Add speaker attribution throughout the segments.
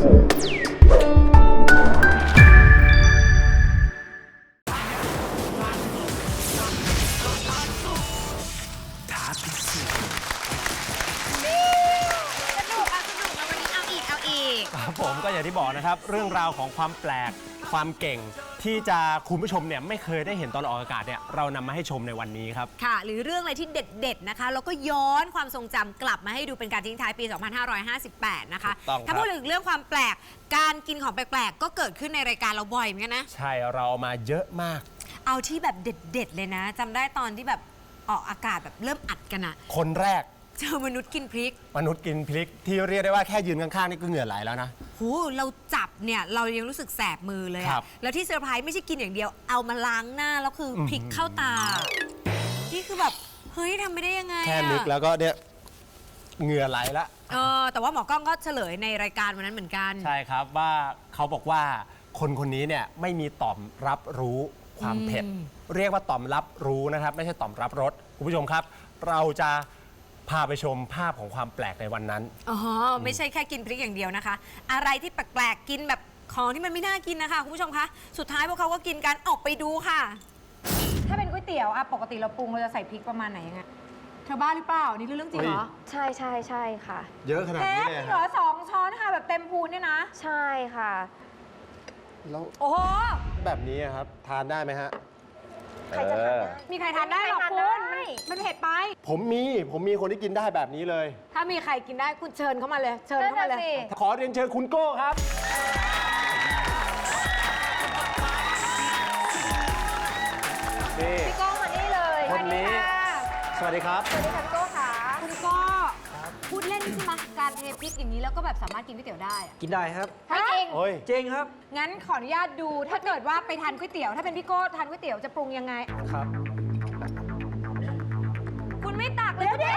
Speaker 1: ผมก็อย่างที่บอกนะครับเรื่องราวของความแปลกความเก่งที่จะคุณผู้ชมเนี่ยไม่เคยได้เห็นตอนออกอากาศเนี่ยเรานำมาให้ชมในวันนี้ครับ
Speaker 2: ค่ะหรือเรื่องอะไรที่เด็ดๆนะคะแล้วก็ย้อนความทรงจำกลับมาให้ดูเป็นการทิ้งท้ายปี 2558 นะคะถ้าพูดถึงเรื่องความแปลกการกินของแปลกๆก็เกิดขึ้นในรายการเราบ่อยเหมือนกันนะ
Speaker 1: ใช่เราเอามาเยอะมาก
Speaker 2: เอาที่แบบเด็ดๆเลยนะจำได้ตอนที่แบบออกอากาศแบบเริ่มอัดกันอะ
Speaker 1: คนแรก
Speaker 2: เจอมนุษย์กินพริก
Speaker 1: ที่เรียกได้ว่าแค่ยืนข้างๆนี่ก็เหงื่อไหลแล้วนะ
Speaker 2: โหเราจับเนี่ยเรายังรู้สึกแสบมือเลยอะแล้วที่เซอร์ไพรส์ไม่ใช่กินอย่างเดียวเอามาล้างหน้าแล้วคือพริกเข้าตานี่คือแบบเฮ้ยทำไม่ได้ยังไง
Speaker 1: แค่นึกแล้วก็เนี่ยเหงื่อไหลละ
Speaker 2: แต่ว่าหมอกล้องก็เฉลยในรายการวันนั้นเหมือนกัน
Speaker 1: ใช่ครับว่าเขาบอกว่าคนนี้เนี่ยไม่มีต่อมรับรู้ความเผ็ดเรียกว่าต่อมรับรู้นะครับไม่ใช่ต่อมรับรสคุณผู้ชมครับเราจะพาไปชมภาพของความแปลกในวันนั้น
Speaker 2: ไม่ใช่แค่กินพริกอย่างเดียวนะคะอะไรที่แปลกๆกินแบบของที่มันไม่น่ากินนะคะคุณผู้ชมคะสุดท้ายพวกเขาก็กินกันออกไปดูค่ะถ้าเป็นก๋วยเตี๋ยวปกติเราปรุงเราจะใส่พริกประมาณไหนยังไงเธอบ้าหรือเปล่านี่คือเรื่องจริงเหรอ
Speaker 3: ใช่ใช่ใช่ค่ะ
Speaker 1: เยอะขนาดนี้เลย
Speaker 2: เหรอ2 ช้อนค่ะแบบเต็มพูนเนี่ยนะ
Speaker 3: ใช่ค่ะ
Speaker 1: แล้ว
Speaker 2: โอ้โห
Speaker 1: แบบนี้ครับทานได้ไหมฮะ
Speaker 3: ใครจะทานได้
Speaker 2: มีใครทานได้หรอคุณมันเผ็ดไป
Speaker 1: ผมมีคนที่กินได้แบบนี้เลย
Speaker 2: ถ้ามีใครกินได้คุณเชิญเข้ามาเลยเชิญเข้ามาเลย
Speaker 1: ขอเรียนเชิญคุณโก้ครับ
Speaker 3: พี่โก้มานี่เลย
Speaker 1: คนนี้สวัสดีครับ
Speaker 3: สวัสดีค่ะพี่โก้ค่ะ
Speaker 2: คุณโก้พูดเล่นใช่ไหมการเทพริกอย่างนี้แล้วก็แบบสามารถกินก๋วยเตี๋ยวได้
Speaker 4: กินได้ครับ
Speaker 2: ไม่จริง
Speaker 4: จริงครับ
Speaker 2: งั้นขออนุญาตดูถ้าเกิดว่าไปทานก๋วยเตี๋ยวถ้าเป็นพี่โก้ทานก๋วยเตี๋ยวจะปรุงยังไง
Speaker 4: ครับ
Speaker 2: คุณไม่ตักเลย
Speaker 3: เดี๋ยว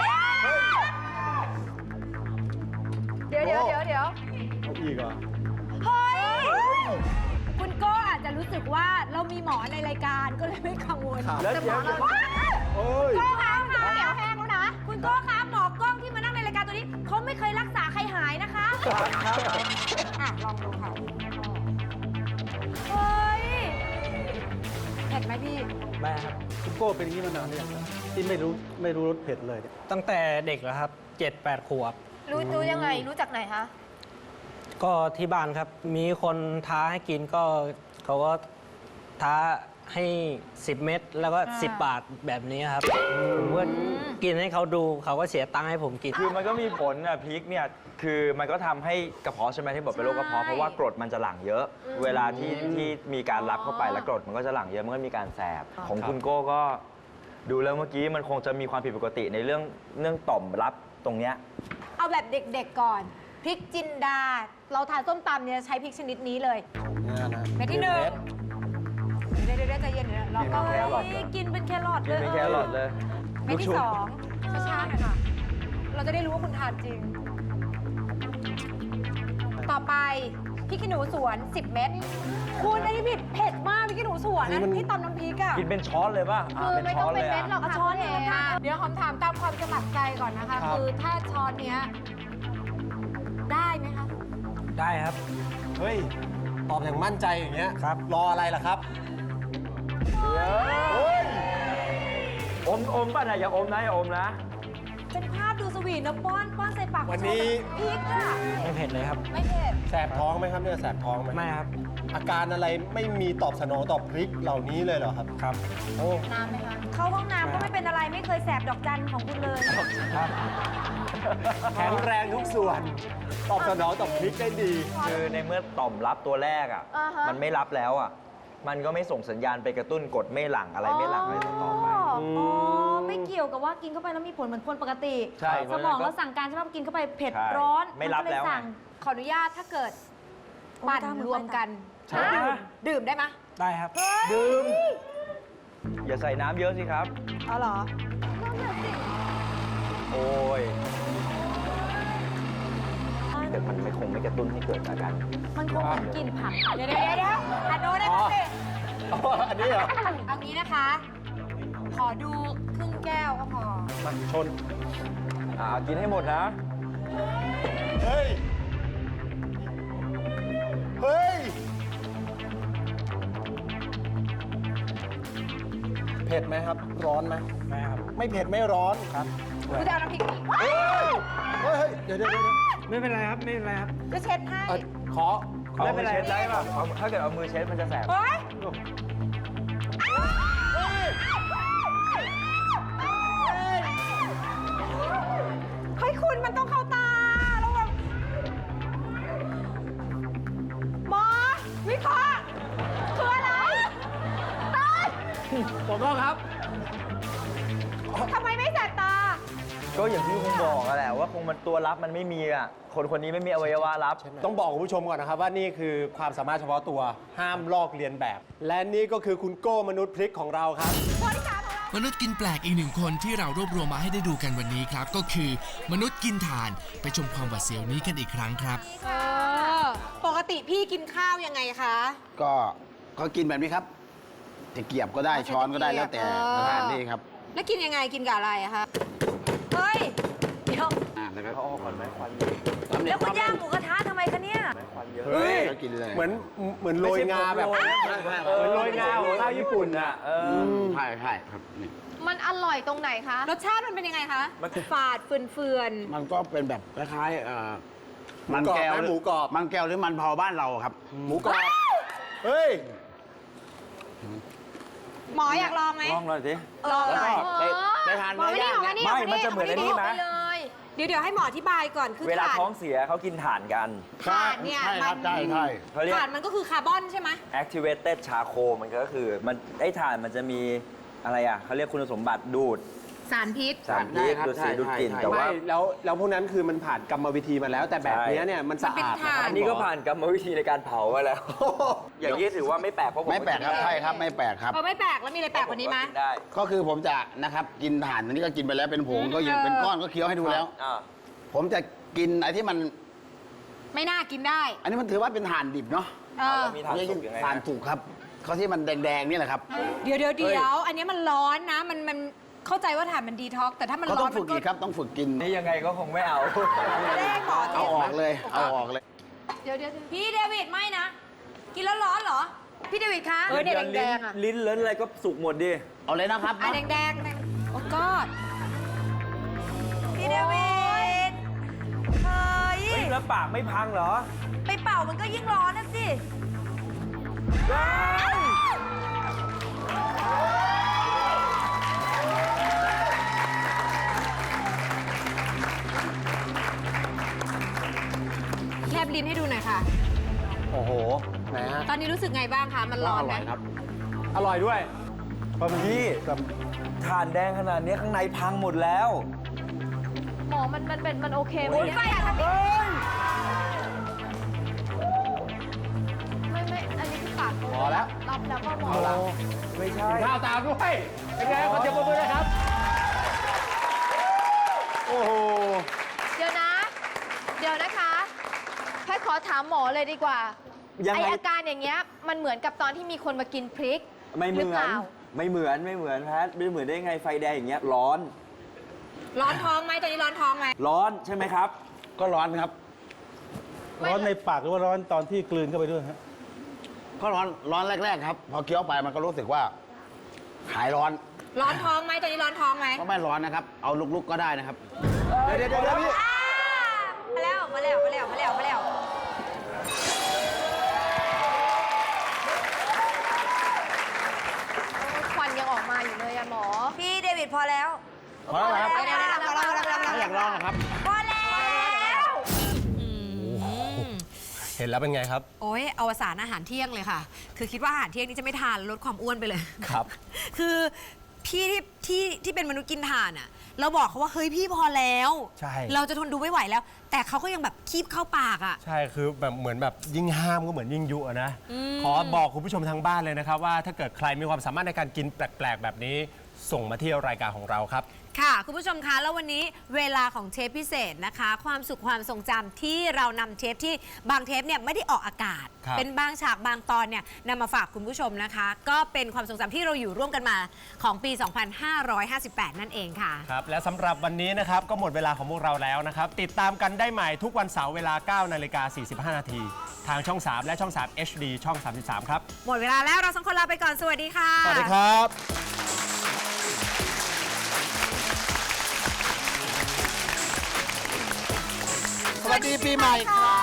Speaker 1: อีกเหรอ
Speaker 2: เฮ้ยคุณโก้อาจจะรู้สึกว่าเรามีหมอในรายการก็เลยไม่กังวล
Speaker 1: แต่หมอเรา
Speaker 2: โก้คะเดี๋ยวแห้งแล้วนะคุณโก้คะหมอกล้องที่มานั่งในรายการตัวนี้เขาไม่เคยรักษาใครหายนะคะลองดูค่ะเฮ้ยเผ็ดไหมพี่
Speaker 4: ไม่ครับ
Speaker 1: คุณโก้เป็นอย่างนี้มานานหรือยังที่ไม่รู้รสเผ็ดเลย
Speaker 4: ตั้งแต่เด็กแล้วครับ 7-8 ขวบ
Speaker 3: รู้ยังไงรู้จากไหนคะ
Speaker 4: ก็ที่บ้านครับมีคนท้าให้กินก็เขาก็ท้าให้10 เม็ดแล้วก็10 บาทแบบนี้ครับผมก็กินให้เขาดูเขาก็เสียตังค์ให้ผมกิน
Speaker 5: คือมันก็มีผลนะพริกเนี่ยคือมันก็ทำให้กระเพาะใช่ไหมที่บอกเป็นโรคกระเพาะเพราะว่ากรดมันจะหลั่งเยอะเวลาที่มีการรับเข้าไปแล้วกรดมันก็จะหลั่งเยอะมันก็มีการแสบของคุณโก้ก็ดูแล้วเมื่อกี้มันคงจะมีความผิดปกติในเรื่องต่อมรับตรงเนี้ย
Speaker 2: เอาแบบเด็กๆก่อนพริกจินดาเราทานส้มตำเนี่ยใช้พริกชนิดนี้เลยเม็ดที่1เดี๋ยวใจเย็นเราก็กินเป็นแครอทเลย
Speaker 5: เป็นแครอทเลย
Speaker 2: เม็ดที่2ช้าๆหน่อยค่ะเราจะได้รู้ว่าคุณทานจริงต่อไปพริกขี้หนูสวน10 เม็ดคุณอันนี้เผ็ดมากพริกขี้หนูสวนนะที่ตำน้ำพริกอะ
Speaker 5: กินเป็นช้อนเลยป่ะ
Speaker 3: คือไม่ต้องเป็นเม็ดหรอกค่ะ
Speaker 2: ช้อนเองเดี๋ยวหอมถามตามความสมัครใจก่อนนะคะคือถ้าช้อนเนี้ยได้ไหมคะ
Speaker 4: ได้ครับ
Speaker 1: เฮ้ยตอบอย่างมั่นใจอย่างเงี้ย
Speaker 4: ครับ
Speaker 1: รออะไรล่ะครับ
Speaker 5: อมป่ะนะอย่าอมนะอย่าอมนะ
Speaker 2: เป็นภาพดูสวีทนะป้อนใส่ปาก
Speaker 1: วันนี้
Speaker 2: พริกอะ
Speaker 4: ไม่เผ็ดเลยครับ
Speaker 2: ไม่เผ็ด
Speaker 1: แสบท้องไหมครับเนี่ยแสบท้องไหม
Speaker 4: ไม่ครับ
Speaker 1: อาการอะไรไม่มีตอบสนองต่อพริกเหล่านี้เลยเหรอครับ
Speaker 4: ครับ
Speaker 1: โอ้
Speaker 2: น้ำไหมคะเข้าห้องน้ำก็ไม่เป็นอะไรไม่เคยแสบดอกจันของคุณเลย
Speaker 4: ครับ
Speaker 1: แข็งแรงทุกส่วนตอบสนองต่อพริกได้ดี
Speaker 5: คือในเมื่อต่อมรับตัวแรกอ่ะมันไม่รับแล้วอ่ะมันก็ไม่ส่งสัญญาณไปกระตุ้นกดไม่หลั่งอะไรไม่หลั่งอะไรต่อไป
Speaker 2: ไม่เกี่ยวกับว่ากินเข้าไปแล้วมีผลเหมือนคนปกติ
Speaker 5: ใช่
Speaker 2: สมองเราสั่งการใช่ไหมกินเข้าไปเผ็ดร้อน
Speaker 5: ไม่รับแล้ว
Speaker 2: ขออนุญาตถ้าเกิดปั่นรวมกันดื่มได้ไหม
Speaker 4: ได้ครับ
Speaker 5: ดื่มอย่าใส่น้ำเยอะสิครับ
Speaker 2: อ๋อเหรอ
Speaker 5: โอ้ยแต่มันคงไม่กระตุ้นให้เกิดอาการ
Speaker 2: มันคงกินผักเดี๋ยวอันโน้นได้ไหม
Speaker 1: อันนี้เหรอ
Speaker 2: เอางี้นะคะขอดูครึ่งแก้วก็พอ
Speaker 1: มาชน
Speaker 5: กินให้หมดนะ
Speaker 1: เฮ้ยผ็ดไหมครับ ร้อนไหม
Speaker 4: ไม่ครับ
Speaker 1: ไม่เผ็ดไม่ร้อนครับ
Speaker 2: กูจะเอาน้ำพริกนี่
Speaker 1: เฮ้ยเดี๋ยว
Speaker 4: ไม่เป็นไรครับ ไม่เป็นไรครับ
Speaker 2: จะเช็ดให้
Speaker 1: ขอ
Speaker 5: ไม่เป็นไรเช็ดได้ป่ะถ้าเกิดเอามือเช็ดมันจะแสบ
Speaker 2: เฮ้ยเฮ้ยคุณมันต้องเข้าตาแล้วแบบหมอวิเคราะห์คืออะไรตาย
Speaker 1: ผมก็ครับ
Speaker 2: ทำไมไม่แสบตา
Speaker 5: ก็อย่างที่คุณบอกอะแหละว่าคงมันตัวรับมันไม่มีอ่ะคนคนนี้ไม่มีอวัยวะรับ
Speaker 1: ต้องบอกคุณผู้ชมก่อนนะครับว่านี่คือความสามารถเฉพาะตัวห้ามลอกเลียนแบบ และนี่ก็คือคุณโก้มนุษย์พริกของเราครับ
Speaker 6: มนุษย์กินแปลกอีกหนึ่งคนที่เรารวบรวมมาให้ได้ดูกันวันนี้ครับ ก็คือมนุษย์กินถ่านไปชมความหวาดเสียวนี้กันอีกครั้งครับ
Speaker 2: ปกติพี่กินข้าวยังไงคะ
Speaker 7: ก็กินแบบนี้ครับตะเกียบก็ได้ช้อนก็ได้แล้วแต่สถานที่ครับ
Speaker 2: แล้วกินยังไงกินกับอะไรอะคะเฮ้ยเดี๋ยว
Speaker 7: แล้วก็
Speaker 5: เขาออกก่อนไหมควัน
Speaker 2: แล้วคุณย่างหมูกระทะทำไมคะเนี่ย
Speaker 5: ควันเยอะ
Speaker 1: เฮ้ย
Speaker 7: ก็กินเลย
Speaker 1: เหมือนโรยงาแบบเหมือนโรยงาของข้าวญี่ปุ่นอ่ะ
Speaker 7: ใช่ใช่ครับนี่
Speaker 3: มันอร่อยตรงไหนคะ
Speaker 2: รสชาติมันเป็นยังไงคะ ฝาดเฟือน
Speaker 7: มันก็เป็นแบบคล้ายๆมันแก้ว
Speaker 1: หมูกรอบ
Speaker 7: มันแก้วหรือมันเผาบ้านเราครับ
Speaker 1: หมูกรอบเฮ้ย
Speaker 2: ๆหมออยากลองไหม
Speaker 5: ลองหน่อยสิ
Speaker 2: ลองหน่อย
Speaker 7: ได้ทาน
Speaker 2: หมอ
Speaker 7: เนื้
Speaker 2: ไม่
Speaker 7: อ
Speaker 2: ได้
Speaker 7: ย่าง
Speaker 2: หมอ
Speaker 7: เนี่ย
Speaker 2: ไม่ได้
Speaker 5: ไม่มันจะเหมือนไอ้นี่ไหม
Speaker 3: ไปเลย
Speaker 2: เดี๋ยวให้หมออธิบายก่อนคือ
Speaker 5: เวลา
Speaker 2: ถ่าน
Speaker 5: ท้องเสียเขากินถ่านกัน
Speaker 2: ถ่านเนี่ย
Speaker 7: ใช่ครับใช่ใช่
Speaker 5: เขาเรียก
Speaker 2: ถ่านมันก็คือคาร์บอนใช่ไหม
Speaker 5: activated charcoal มันก็คือมันไอ้ถ่านมันจะมีอะไรอ่ะเขาเรียกคุณสมบัติดูด
Speaker 2: สารพิษ
Speaker 5: สารพิษดูดสีดูดกลิ่นแต่ว่า
Speaker 1: ไม่แล้วพวกนั้นคือมันผ่านกรรมวิธีมาแล้ว แต่แบบเนี้ยเนี่ยมันสะอาด
Speaker 2: มันเป็นถ่าน
Speaker 5: อันนี้ก็ผ่านกรรมวิธีในการเผามาแล้ว อย่างนี้ถือว่าไม่แปลกเพราะผม
Speaker 7: ไม่แปลกครับใช่ครับไม่แปลกครับ
Speaker 2: ไม่แปลกแล้วมีอะไรแปลกกว่านี้ไหม
Speaker 5: กินได้
Speaker 7: ก็คือผมจะนะครับกินถ่านอันนี้ก็กินไปแล้วเป็นผงก็ยังเป็นก้อนก็เคี้ยวให้ดูแล้ว
Speaker 5: อ่า
Speaker 7: ผมจะกินไอ้ที่มัน
Speaker 2: ไม่น่ากินได้
Speaker 7: อันนี้มันถือว่าเป็นถ่านดิบเนาะ
Speaker 5: แล้วมีถ่านสุกยังไง
Speaker 7: ถ่าน
Speaker 5: นะ
Speaker 7: สุกครับเขาที่มันแดงๆนี่แหละครับ
Speaker 2: เดี๋ยวอันนี้มันร้อนนะมันเข้าใจว่าถ่านมันดีท็อกซ์แต่ถ้ามัน
Speaker 7: เขา
Speaker 2: ร้
Speaker 7: ต้
Speaker 2: อ
Speaker 7: อน ง
Speaker 2: มั
Speaker 7: ฝึก
Speaker 2: นก็
Speaker 7: อีกครับต้องฝึกกิน
Speaker 5: นี่ยังไงก็คงไม่เอา
Speaker 2: ไม่ได้หมอ
Speaker 7: เอาออกเลยเอาออกเลย
Speaker 3: เดี๋ยว
Speaker 2: พี่เดวิดไม่นะ กินแล้วร้อนเหรอ พี่เดวิดคะ
Speaker 3: เนี่ยแดงๆอ่ะ
Speaker 5: ลิ้นเลิ้นอะไรก็สุกหมดดิ
Speaker 7: เอาเลยนะครับ
Speaker 2: อ่ะแดงๆโอ้กอดพี่เดวิดเฮ้ย
Speaker 5: เฮ้ยแล้วปากไม่พังเหรอ
Speaker 2: ไปเป่ามันก็ยิ่งร้อนนะสิ แลบลิ้นให้ดูหน่อยค่ะ
Speaker 1: โอ้โหไหนฮะ
Speaker 2: ตอนนี้รู้สึกไงบ้างคะ มันร้อนไหม
Speaker 7: ร่อยครับ
Speaker 1: อร่อยด้วย
Speaker 5: พี่ถ่านแดงขนาดนี้ข้างในพังหมดแล้ว
Speaker 3: หมอมันโอเคไหม
Speaker 2: โอ้ย
Speaker 3: เนี่ย
Speaker 2: ไฟอะทำไม
Speaker 3: ไม่ อันนี้คือปาก
Speaker 1: พอแล้ว
Speaker 3: รับแล้วก็หมอ
Speaker 5: ไม่ใช่
Speaker 1: ข้าวตามด้วย เป็นไงขอเสียงปรบมือนะครับ โอ้โห
Speaker 3: เดี๋ยวนะคะแพทย์ขอถามหมอเลยดีกว่า
Speaker 5: ยัง
Speaker 3: ไอ
Speaker 5: ไง
Speaker 3: อาการอย่างเงี้ยมันเหมือนกับตอนที่มีคนมากินพริก
Speaker 5: ไม่เหมื
Speaker 3: รือ
Speaker 5: อ
Speaker 3: เป
Speaker 5: น
Speaker 3: ล่า
Speaker 5: ไม่เหมือนแพทไม่เหมือนได้ไงไฟแดงอย่างเงี้ยร้อน
Speaker 2: ร้อนท้องไหมตอนนี้ร้อนท้องไหม
Speaker 5: ร้อนใช่ไหมครับ
Speaker 7: ก็ร้อนครับ
Speaker 8: ร้อนในปากหรือว่าร้อนตอนที่กลืนเข้าไปด้วยฮะ
Speaker 7: ก็ร้อนแรกๆครับ พอเคี้ยวไปมันก็รู้สึกว่าหายร้อน
Speaker 2: ร้อนท้องไหมตอนนี้ร้อนท้องไหม
Speaker 7: ก็ไม่ร้อนนะครับ เอาลุกๆก็ได้นะครับ
Speaker 1: เดี๋ยวพี่
Speaker 2: มาแล้ว
Speaker 3: ควันยังออกมาอยู่เลยอะหมอ
Speaker 2: พี่เดวิดพอแล้ว
Speaker 7: พอแล้วครับ
Speaker 2: พอแล้ว
Speaker 7: ไม่อยากลองนะครับ
Speaker 2: พอแล้ว
Speaker 1: เห็นแล้วเป็นไงครับ
Speaker 2: โอ้ยอวสานอาหารเที่ยงเลยค่ะ คือคิดว่าอาหารเที่ยงนี้จะไม่ทานลดความอ้วนไปเลย
Speaker 1: ครับ
Speaker 2: คือพี่ที่เป็นมนุษย์กินถ่านอ่ะ เราบอกเขาว่าเฮ้ยพี่พอแล้ว
Speaker 1: ใช่
Speaker 2: เราจะทนดูไม่ไหวแล้ว แต่เขาก็ยังแบบคีบเข้าปากอ่ะ
Speaker 1: ใช่ คือแบบเหมือนแบบยิ่งห้ามก็เหมือนยิ่งยุอะนะ ขอบอกคุณผู้ชมทางบ้านเลยนะครับว่าถ้าเกิดใครมีความสามารถในการกินแปลกๆ แบบนี้ ส่งมาที่รายการของเราครับ
Speaker 2: ค่ะ คุณผู้ชมคะแล้ววันนี้เวลาของเทปพิเศษนะคะ ความสุขความทรงจำที่เรานำเทปที่บางเทปเนี่ยไม่ได้ออกอากาศ
Speaker 1: ครับ
Speaker 2: เป็นบางฉากบางตอนเนี่ยนำมาฝากคุณผู้ชมนะคะ ก็เป็นความทรงจำที่เราอยู่ร่วมกันมาของปี 2558 นั่นเองค่ะ
Speaker 1: ครับ และสำหรับวันนี้นะครับก็หมดเวลาของพวกเราแล้วนะครับ ติดตามกันได้ใหม่ทุกวันเสาร์เวลา 9 นาฬิกา 45 นาที ทางช่อง 3 และช่อง 3 HD ช่อง 33 ครับ
Speaker 2: หมดเวลาแล้วเราสองคนลาไปก่อนสวัสดีค่ะ
Speaker 1: สวัสดีครับ
Speaker 7: ดีปีใหม่ครับ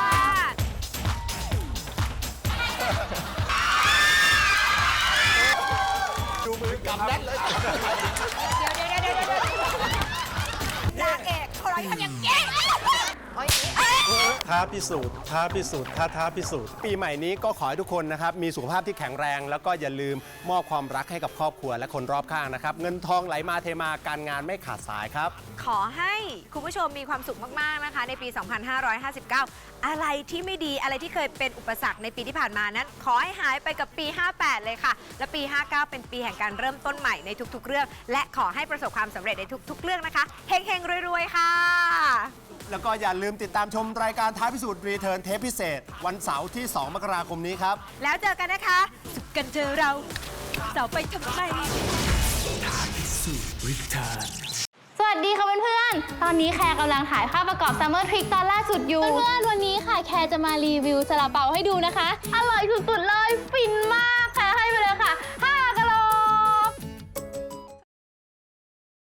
Speaker 1: ดูมือกำแน่นเลย
Speaker 2: นางเอกเขาร้อยทำอย่างเก่ง
Speaker 8: ท้าพิสูจน์ท้าพิสูจน์ท้าพิสูจน์
Speaker 1: ปีใหม่นี้ก็ขอให้ทุกคนนะครับมีสุขภาพที่แข็งแรง แล้วก็อย่าลืมมอบความรักให้กับครอบครัวและคนรอบข้างนะครับ เงินทองไหลมาเทมาการงานไม่ขาดสายครับ
Speaker 2: ขอให้คุณผู้ชมมีความสุขมาก ๆ นะคะ ในปี 2559 อะไรที่ไม่ดีอะไรที่เคยเป็นอุปสรรคในปีที่ผ่านมานั้น ขอให้หายไปกับปี 58 เลยค่ะ และปี 59 เป็นปีแห่งการเริ่มต้นใหม่ในทุก ๆ เรื่อง และขอให้ประสบความสำเร็จในทุก ๆ เรื่องนะคะเฮงๆรวยๆค่ะ
Speaker 1: แล้วก็อย่าลืมติดตามชมรายการท้าพิสูจน์รีเทิร์นเทปพิเศษ วันเสาร์ที่ 2 มกราคมนี้ครับ
Speaker 2: แล้วเจอกันนะคะ สุขกันเจอเราเสาร์ไปทำไม
Speaker 9: สวัสดีค่ะเพื่อนๆ ตอนนี้แคร์กำลังถ่ายภาพประกอบซัมเมอร์ทริกตอนล่าสุดอยู่ เพื่อนๆ วันนี้ค่ะแคร์จะมารีวิวซาลาเปาให้ดูนะคะ อร่อยสุดๆ เล